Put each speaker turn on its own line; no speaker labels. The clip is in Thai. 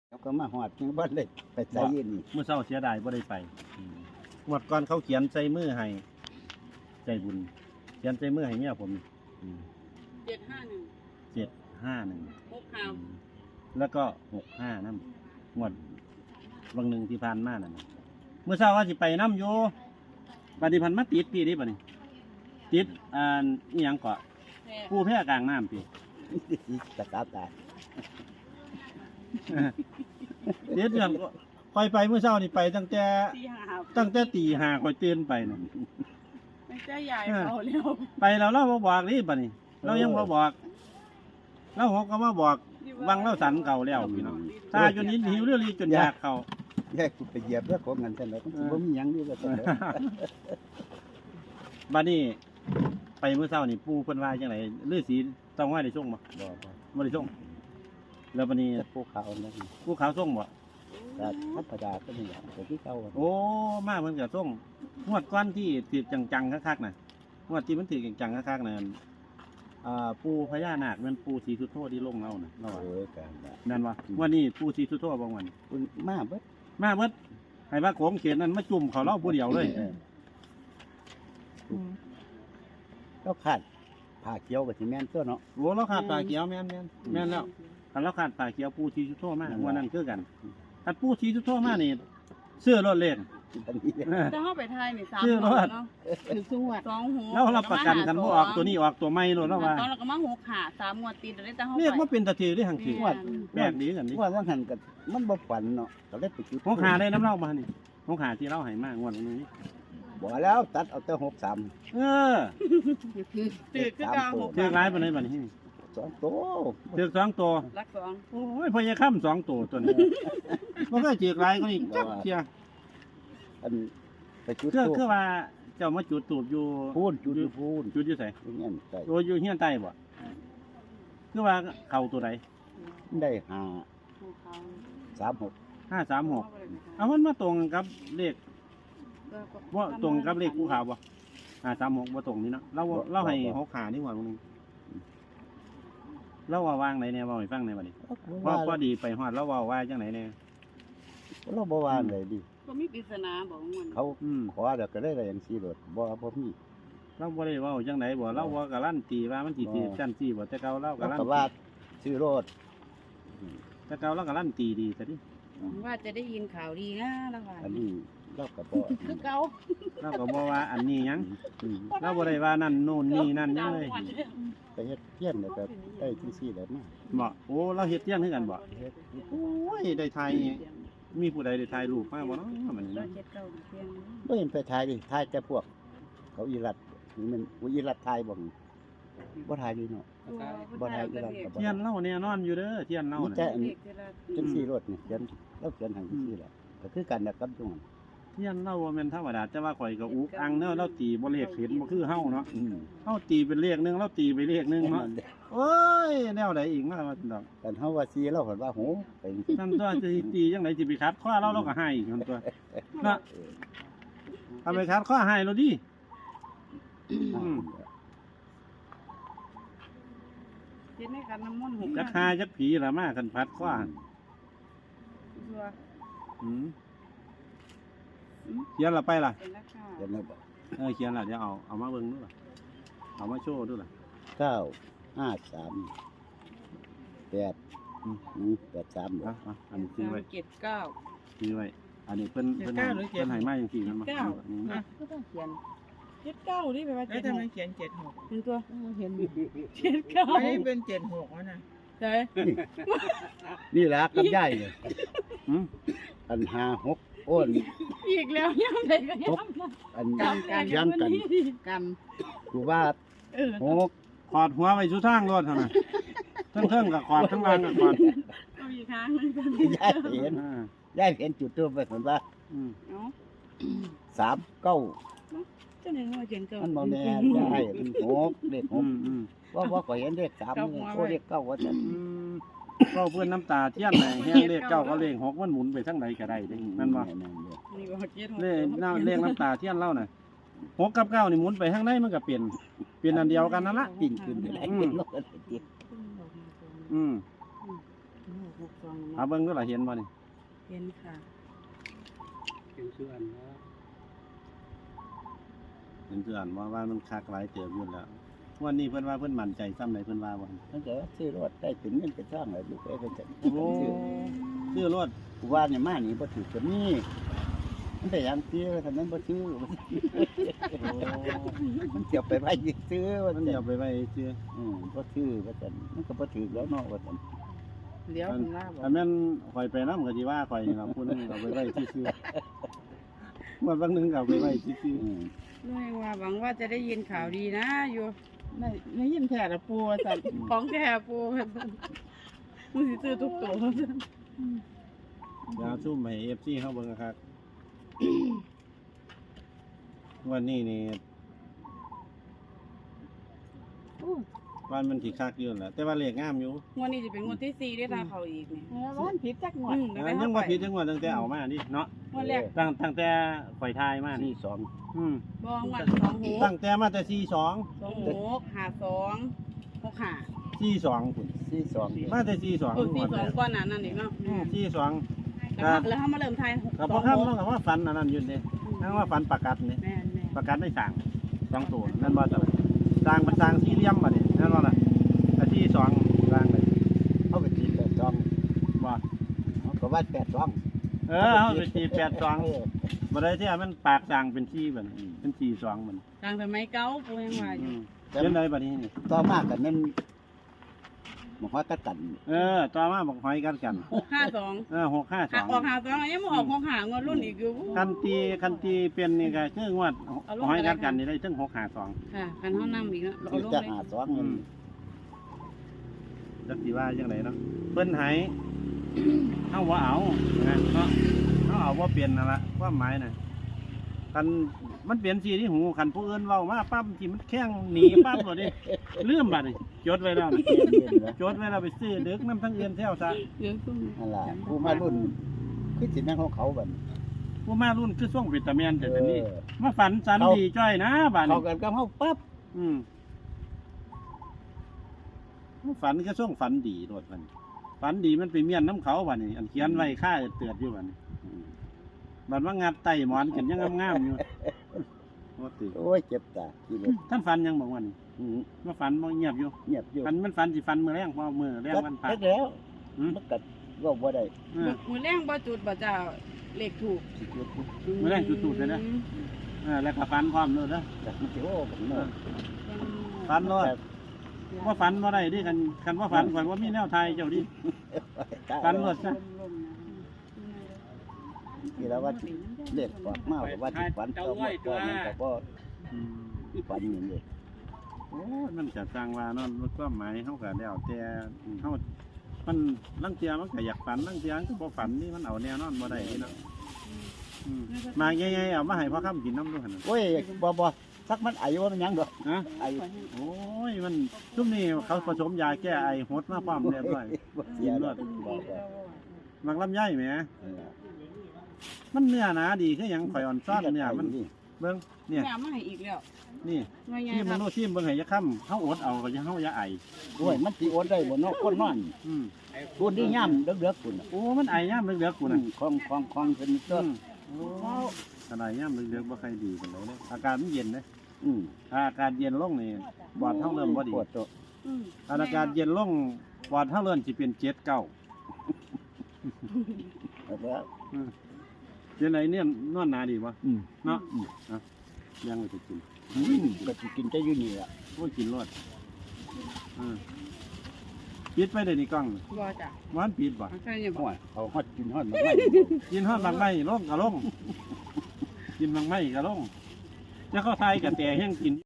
เขาก็มาหอดยังบ่ได้ไปใส่ยืนนี่
เมื่อเช้าเสียดายบ่ได้ไปงวดก่อนเขาเขียนใส่มือให้ใจบุญเขียนใส่มือให้เมียผม
751
751
6ข่าว
แล้วก็65นำงวดบางหนึ่งที่ผ่านมานั่นน่ะเมื่อเช้าว่าสิไปนำอยู่บัดนี้พันมาติดพี่ดิบัดนี้ติดอีหยังเกาะ
แท้
ผู้แพร่กลางน้ำพี่
ตะกาตาย
เดี๋ยวอย่างคอยไปเมื่อเช้านี่ไปตั้งแต่
ที่หา
ตี 5ค่อยตื่นไปน่ะ
ไม่ใช่ใหญ่เขาแล้ว
ไปแล้วเราบ่บอกนี่บัดนี้ เรายังบ่บอกเราหกก็มาบอกวังเราสันเก่าแล้วพี่น้องตาจนหิวเรื่องนี้จนอยากเข้า
แยกกูไปเหยียบเรื่องของเงินเท่าไหร่ก็บ่มีหยังนี่ก็ต้อง
บัดนี้ไปเมื่อเช้านี่ปู่เพิ่นว่าจังไดฤาษีต้องว่าได้ส่งบ่
บ่
บ่ได้ส่งแล้วบัดนี้
ภูเขาแล้วนี่
ผู้ขาวส่งบ่
ก็ธรรมดาก็ไม่อยากแต่ที่เขา
โอ้มาเพิ่นก็ส่งงวดก่อนที่ถือจังๆคักๆน่ะงวดที่มันถือจังๆคักๆน่ะปู่พญานาคแม่นปู่ศรีสุโธที่ลงเราน่ะเราว่า
โอ้ยกัน
นั่นว่าวันนี้ปู่ศรีสุโธบ่วัน
คุณมาเบิด
มาเบิดให้ว่าโขงเขตนั้นมาจุ่มเขาเล่าผู้เดียวเลย
ก็ขาดผ้าเขียวกับสิแม่นตัวเนาะ
โอ้เราขาดปลาเขียวแม่นแล้วคันเราขาดปลาเขียวปูชีสุโธมากวันนั้นคือกันคันปูชีสุโธมากนี่เสื้อรถเล่น
อันนี้
จะเข้าไปไทยนี่3
ชื่อ
หั
ร
ว
ถ
เนาะคือสวด2หัว
เรารับประกันกันบ่ออกตัวนี้ออกตัวไม่รถแล้วว่า
ตอนเราก็มา6ขา3งวดติดได้แต่เฮา
เรียก
ไป
ว่าเป็นตะทีได้หังทีแปลกดีกันนี่
ว่าหันกันมันบ่ฝันเนาะก็เลยไปจุด
หงขาได้น้ำเล่ามานี่หงขาที่เราให้มากงวดนี้
บ่แล้วตัดเอาแต่63
เออ
ตึกคือเก่า
เทือกร้ายปานนี้บัดนี้
2โต
เทือก2ตัว
รัก2
โอ้ยพญาค่ำ2ตัวตัวนี้มันก็เทือกร้ายก็นี่จักเที่ย
อันไปจุด
คือว่าเจ้ามาจุดตูบอยู่
พูนจุดอยู่พูน
จุดอยู่ไส
อย่างนั้นใส่
โอ้อยู่เฮียนใต้บ่คือว่าเข้าตัวใด
ได้
ภูเขา
536
536เอามันมาตรงกับเลขว่าตรงกับเลขภูเขาบ่536บ่ตรงนี่เนาะเราให้6ขานี่หว่าตรงนึงเราว่าวางไหนแน่เว้าให้ฟังหน่อยบัดนี้ว่าพอดีไปฮอดเราเว้าว่าจังไหนแน่
เราบ่ว่าเลยดิ
ก็มีปริศนาบอกมัน
เขาขอแล้วก็ได้อะไรอย่างซี่โดดบ่มี
เราบ่ได้เว้าจังไหนบ่เราบ่การันตีว่ามันสิถือจังซี่บ่แต่เก่าเรา
เรา
การัน
ก็
ตี
ว่าซื้อรถ
แต่เก่าเราการันตีดีซะดิ
ว่าจะได้ยินข่าวดีนะแล้วว่า
อันนี้เราก็บ่
คือเก่า
เราก็บ่ว่าอันนี้หยังเราบ่ได้ว่านั่นโน่นนี่นั่นหยังเลย
ไปเฮ็ดเพี้ยนแล้วก็ได้จังซี่แหละมา
บ่โอ้เราเฮ็ดเที่ยงคือกันบ่
เฮ็ด
โอ้ยได้ถ่ายมีผู้ใดได้ถ่ายรูปมาบ่เนาะมันนี่
เรา
เนาะ
เจ็ดเก่าเพียง
บ่เห็นไปถ่ายดิถ่ายแต่พวก เขาอีรัดนี่มันอีรัดถ่ายบ่บ่ถ่ายอยู่เนาะ บ่ได้อีรัดก็บ่
เทียนเล่าแน่นอนอยู่เด้อเทียนเล่า
มี
น่ะ
แต่อันจังซี่รถนี่เขียนเราเขียนให้จังซี่แหละก็คือกันนะครับทุกคน
เทียนเล่าบ่แม่นธรรมดาแต่ว่าข่อยก็อุกอังเนาะเราตีบ่เลขเห็นบ่คือเฮาเนาะเฮาตีเป็นเลขหนึงเราตีไปเลขหนึงเนาะโอ้ยแนวใดอีกมาว่าดอก
กันเฮาว่าซีเราเห็นว่าโหไปจังซี่
นั่นตัวจะสิตีจังไดสิไปคัดข้อเราก็ให้อีกนั่นตัวเนาะเอาไปคัดข้อให้เราดิ
เจ็ดในกันน้ำมันต์6
จักหาจักผีล่ะมากันพัดข้ออืมเขียนละไปล่ะ
เป็นราคา
เดี๋ยวนะบ่
เขียนละเดี๋ยวเอามาเบิ่งดูล่ะเอามาโชว์ดูล่ะ
953 8
เอาอันนี้ซื้อไว้
379
ซื้อไว้อันนี้เพิ่นให้มาจังซี่นั่นมา
อ่ะก็ต้องเขียน79นี่แปลว่า
แล้วทำไมเขียน76
ถึงตัวเห็น
ไม่ได้เป็น76แล้วนะ
ใช่
นี่ล่ะกับยายเนี่ย
อืม
อัน56โอ้น
อีกแล้วยังไงก็ยัง
อันยังกัน
กัน
กูว่า 6
ขอดหัวไว้สู่ทางรถเท่านั้นเทิงกับขอดทั้งล่างกับขอด
เอาอีกครั้งนึงกัน
ยายเห็นยายเห็นจุดตัวไปเห็นว่า
อืม
เนาะ
39
เจ้าหนึ่งว่าเขียนเก่า
มันบ่แน่ยายมัน6เลข
อืมอืม
6ว่าก็เห็นเลข3โอ้เลข9ว่าซั่น
ก็เพื่อนน้ำตาเทียนไหนแห้งเลขเก้าก็เลขหกมันหมุนไปทั้งใดก็ได้เด้นั่นบ่
นี่ว่าเจ็ด
เลขน้ำตาเทียนเล่าน่ะหกกับเก้านี่หมุนไปข้างในมันก็เปลี่ยนอันเดียวกันนั่นละ
ปิ้งขึ้นได้เป็นโลกติด
อืม
62
เอาเบิ่งดูล่ะเห็นบ่นี่
เห็นค่ะ
เป็นเพื่อนว่าเป็นเพื่อนว่ามันคักหลายเติบอยู่แล้ววันนี้เพิ่นว่าเพิ่นมั่นใจซ้ำใดเพิ่นว่าบ่
มันก็ซื้อรถได้เป็นเงินเป็นทองเลยลูกเอ้ยเป็นจัง
โอ้ซื้อรถ
กูว่าเนี่ยมานี่บ่ถือก็มีมันได้ยังซื้อถ้านั้นบ่ซื้อมันเกี่ยวไปไว้ซื้อว่า
มัน
แต่
เดี๋ยวไปไว้ซื้อ
บ่ซื้อว่าแต่มันก็บ่ถือแล้วเนาะว่าแต่
เดี๋ยวคุณว่าบอก
อันนั้นข่อยไปนำก็สิว่าข่อยนี่ล่ะผู้นึงเอาไปไว้ซื่อๆวันบางนึงก็เอาไปไว้ซื่อ
ไม่ว่าหวังว่าจะได้ยินข่าวดีนะอยู่ไม่ยินแท้ละปูสัตว์ของแท้ปูมึงสิซื้อทุกตัว
ๆยาวซุ่มให้ FC เฮาเบิ่งครับวันนี้นี่วันมันสิคักอยู่แหละแต่ว่าเลขงามอยู่
งวดนี้จะเป็นงวดที่4ได้ตาเขาอีกนี่
ร้านผิดจักหน่อย
ยังบ่ผิดจังว่าตั้งแต่เอามานี่เนาะ
งวดแรก
ตั้งแต่ข่อยทายมานี่
ที่2
อืม
บ่งวด26
ตั้งแต่มาแต่42
26 52 65
42พุ่น
ที่2
มาแต่42
เออ42ก่อนหน้านั้นอีกเนาะ
42
แล้วเฮามาเริ่มทาย
ก็บ่คำเนาะก็ว่าฝันอันนั้นอยู่นี่ทั้งว่าฝันประกัดนี่
แม่น
ประกัดได้สร้าง2ตัวนั่นบ่จ้ะสร้างมันสร้างสี่เหลี่ยมบัดนี้นั่นบ่ล่ะแต่ที่2สร้างเลย
เขาไปตี82
บ่
เขาก็ว่า82
เฮาไปตี82บ่ได้ที่มันปากสร้างเป็น4บัดนี้เป็น42มัน
ทางสมัยเก่าปูยังว่าอยู่
เห็นได้บัดนี้นี่
ต่อมากันนั้นมันว่ากัดกัน
ต่อมาบอกหอยกันกัน
652
652
ออก52ยังบ่ออก65งวดรุ่นอีกอยู่
คันตีเป็นนี่ก็คืองวดหอยกันนี่ได้ถึง652
ค่ะคันเฮานำอีกเนาะเอา
ที่
ลง
จะ
เลย
หา2เงิน
จักสิว่าจังไดเนาะเพิ่นให้เฮาบ่เอานะเนาะเฮาเอาบ่เป็นนั่นล่ะความหมายน่ะคันมันเปลี่ยนสีที่หูคันผู้อื่นเว้ามาปั๊บที่มันแข้งหนีปั๊บบ่ดิลืมบัดนี่จดไว้แล้วนี่จดไว้แล้วไปซื้อดึกน้ำทั้งเอื่นแถวซะ
เดี๋ยวซุ่ม
นั่นล่ะผู้มารุ่นคือสิแม่นของเขาบัด
ผู้มารุ่นคือช่วงวิตามินแต่ตอนนี้มาฝันสันดีจ้อยนะบัด
เขา
นี้
กันกับเฮาปั๊บ
ฝันก็ช่วงฝันดีโดดมันฝันดีมันไปเมียนน้ำเขาบัดนี้อันเขียนไว้ค่าเตือดอยู่บัดนี้บัดว่างัดไตหมอนกันยังงามๆอยู่ว่าติ
โอ้ยเจ็บตาที่รถ
ท่านฝันยังบอกว่านี่ว่าฝันบ่เงียบอยู่
เงียบอยู่
ฝันมันฝันสิฝันมื้อแรงพอมื้อแรงวันพระ
แล้ว
อืม
มันกัดว่าบ่ได้
มือแรงบ่จุดบ่เจ้าเลขถูก
สิเกิด
มื้อแรงจุดๆเลยนะแล้วก็ฝันพร้อมเลยนะ
จักมันสิโอ้ผมเนาะ
ฝันโลดว่าฝันบ่ได้ดิคันว่าฝันข่อยว่ามีแนวทายเจ้าดิฝันโลดซะ
ที่แล้วว่าสิเล็กกว่ามากว่าสิฝันต่อหมดก็มันก็บ่ฝันอย่างนี้
โอ้ยมันจะสร้างว่าเนาะความหมายเฮาก็แล้วแต่เฮามันลังเทียมันก็อยากฝันลังเทียมันก็บ่ฝันนี่มันเอาแนวนอนบ่ได้นี่เนาะมาใหญ่ๆเอามาให้พ่อค้ำกินน้ำด้วยหั่นน่ะ
โอ้ยบ่สักมันอายุว่ามันยังดอก
ฮะ
อายุ
โอ้ยมันซุมนี้เขาผสมยาแก้ไอหดมาพร้อมเรียบร้อย
บ่เสียดอกบ่
มักลำไยแหมมันเนื้อหนาดีคือหยังข่อยอ่อนซ้อนเนี่ยมันเบิ่งเนี่ย
แม่มาให้อีกแล้ว
นี่
ว่าไง
ที่
ค
มั
รั
น
บ
โน้ชิมเบิ่งให้ยะค่ำเฮาอดเอาก็จะเฮาอย่าไอ
โอ้ยมันสิโอนได้บ่เนาะคนนอน
อืม
คนที่ย่ำเดือกๆคุณ
โอ้มันไอยามเหลือกๆกูน่ะ
ของเป็นต้น
โอ้อะไรยามเหลือกๆบ่ค่อยดีปานใดเด้อากาศมันเย็นเด้
อืม
ถ้าอากาศเย็นลงนี่ปอดเฮาเริ่มบ่ดี
ปวดตัว
ถ้าอากาศเย็นลงปอดเฮาเริ่มสิเป็น7 9
แล้ว
เป็นไรเนี่ยนอนหนาดีบ่
อืม
เนาะยังไม่ถูกกิน
ก็สิกินจะอยู่นี่ล่ะ
โอ้ยกินรอดปิดไปได้นี่กล้อง
บ่จ้ะ
มันปิดบ่
ใช่ยังบ่
โอ้ยเขาฮอดกินฮอดมาไว้
กินฮอดบางไม้ลงก็ลง กินบางไม้ก็ลงจะเข้าไทยกับแต่แห้งกิน